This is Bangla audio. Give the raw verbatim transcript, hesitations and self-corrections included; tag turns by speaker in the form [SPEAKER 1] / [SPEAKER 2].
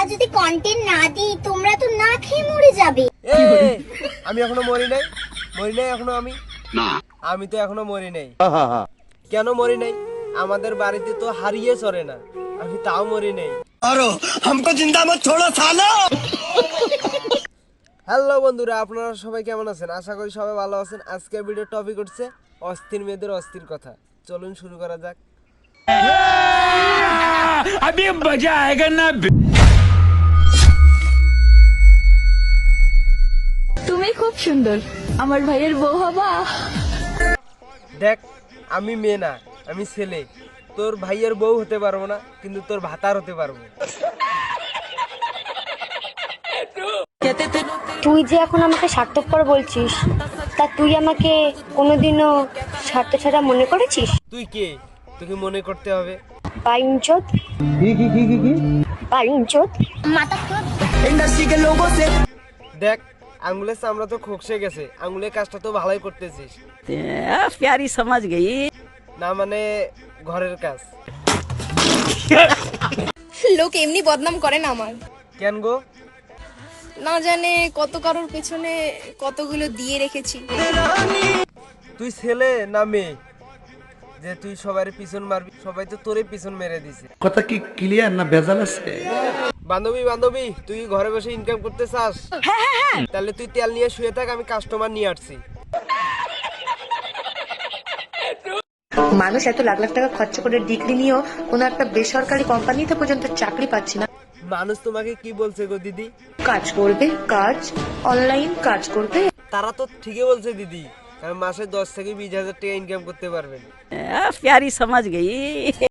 [SPEAKER 1] যদি কন্টেন্ট না দিই তোমরা তো না খেয়ে মরে যাবে।
[SPEAKER 2] আমি এখনো মরি নাই, মরি নাই এখনো আমি না, আমি তো এখনো মরি নাই। কেন মরি নাই? আমাদের বাড়িতে তো হারিয়ে চড়ে না, আমি তাও মরি নাই। আরো हमको जिंदा मत छोड़ो सालो। হ্যালো বন্ধুরা, আপনারা সবাই কেমন আছেন? আশা করি সবাই ভালো আছেন। আজকের ভিডিও টপিক হচ্ছে অস্থির মেয়েদের অস্থির কথা। চলুন শুরু করা যাক।
[SPEAKER 3] अभी मजा आएगा ना।
[SPEAKER 4] তুমি খুব সুন্দর, আমার ভাইয়ের বউ হবা।
[SPEAKER 2] দেখ, আমি মেয়ে না, আমি ছেলে। তোর ভাইয়ের বউ হতে পারবো না, কিন্তু তোর ভাতার হতে পারবো।
[SPEAKER 5] তুই যে এখন আমাকে স্বার্থপর বলছিস, তা তুই আমাকে কোনোদিনও স্বার্থ ছাড়া মনে করেছিস?
[SPEAKER 2] তুই কে? তোকে মনে করতে হবে।
[SPEAKER 5] বাইঞ্চোদ কি কি কি কি কি বাইঞ্চোদ
[SPEAKER 1] মাথা চোদ।
[SPEAKER 2] দেখ, আঙ্গুলের চামড়া তো খোকসে গেছে, আঙ্গুলের কাজটা তো ভালোই করতেছিস।
[SPEAKER 6] प्यारी समझ गई।
[SPEAKER 2] না মানে ঘরের কাজ।
[SPEAKER 7] লোক এমনি বদনাম করে না আমার,
[SPEAKER 2] কেন গো?
[SPEAKER 7] না জানে কত কারোর পেছনে কতগুলো দিয়ে রেখেছি।
[SPEAKER 2] তুই ছেলে না মেয়ে যে তুই সবার পিছন মারবি? সবাই তো তোরে পিছন মেরে দিছে।
[SPEAKER 8] কথা কি ক্লিয়ার না ভেজাল আছে?
[SPEAKER 2] বান্ধবী বান্ধবী তুই ঘরে বসে ইনকাম করতে চাস? তাহলে তুই তেল নিয়ে শুয়ে থাক, আমি কাস্টমার নিয়ে আসছি।
[SPEAKER 9] মানুষ এত লাখ লাখ টাকা খরচা করে ডিগ্রি নিয়েও কোনো একটা বেসরকারি কোম্পানিতে পর্যন্ত চাকরি পাচ্ছি না।
[SPEAKER 2] মানুষ তোমাকে কি বলছে গো দিদি?
[SPEAKER 9] কাজ করবে, কাজ অনলাইন কাজ করবে।
[SPEAKER 2] তারা তো ঠিকই বলছে দিদি, কারণ মাসে দশ থেকে বিশ হাজার টাকা ইনকাম করতে পারবেন।
[SPEAKER 6] प्यारी समझ गई।